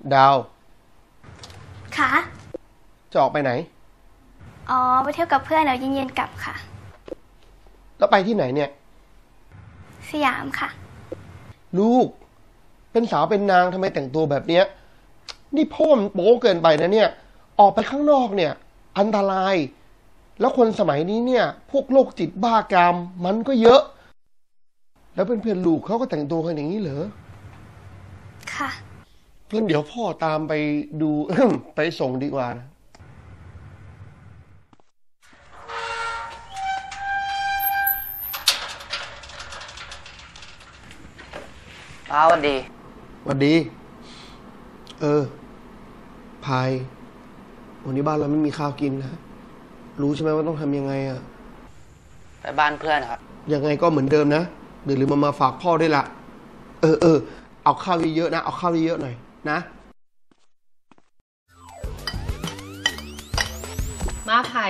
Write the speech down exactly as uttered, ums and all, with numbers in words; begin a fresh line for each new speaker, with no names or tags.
ดาว
ค่ะ
จะออกไปไหน
อ๋อไปเที่ยวกับเพื่อนแล้วเย็นๆกลับค่ะ
แล้วไปที่ไหนเนี่ย
สยามค่ะ
ลูกเป็นสาวเป็นนางทำไมแต่งตัวแบบเนี้ยนี่พ่อมันโป๊เกินไปนะเนี่ยออกไปข้างนอกเนี่ยอันตรายแล้วคนสมัยนี้เนี่ยพวกโรคจิตบ้ากามมันก็เยอะแล้วเพื่อนๆลูกเขาก็แต่งตัวกันอย่างนี้เหรอ
ค่ะ
เพื่อนเดี๋ยวพ่อตามไปดู ไปส่งดีกว่านะ
ป้าสวัสดี
สวัสดีเออพายวันนี้บ้านเราไม่มีข้าวกินนะรู้ใช่ไหมว่าต้องทำยังไงอะ
ไปบ้านเพื่อนครับ
ยังไงก็เหมือนเดิมนะเดี๋ยวลืมมามาฝากพ่อด้วยละเออเออเอาข้าวเยอะๆนะเอาข้าวเยอะๆหน่อยนะ
มาพาย